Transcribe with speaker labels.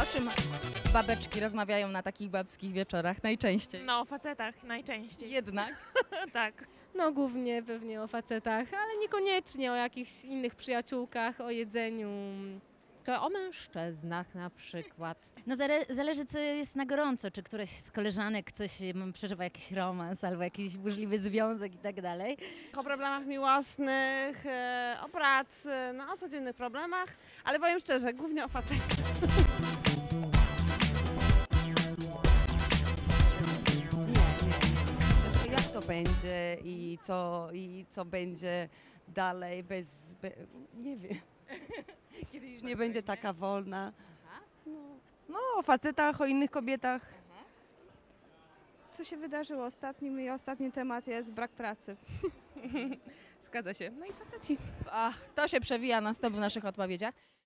Speaker 1: A o czym babeczki rozmawiają na takich babskich wieczorach najczęściej?
Speaker 2: No, o facetach najczęściej.
Speaker 1: Jednak.
Speaker 2: Tak.
Speaker 3: No głównie pewnie o facetach, ale niekoniecznie o jakichś innych przyjaciółkach, o jedzeniu.
Speaker 4: To o mężczyznach na przykład.
Speaker 5: No zależy, co jest na gorąco, czy któraś z koleżanek przeżywa jakiś romans albo jakiś burzliwy związek i tak dalej.
Speaker 6: O problemach miłosnych, o pracy, no o codziennych problemach, ale powiem szczerze, głównie o facetach.
Speaker 7: Znaczy, jak to będzie i co będzie dalej nie wiem. Kiedy już nie będzie taka wolna.
Speaker 8: No, o facetach, o innych kobietach.
Speaker 9: Co się wydarzyło ostatnim i ostatni temat jest brak pracy.
Speaker 3: Zgadza się. No i faceci.
Speaker 1: Ach, to się przewija na stop w naszych odpowiedziach.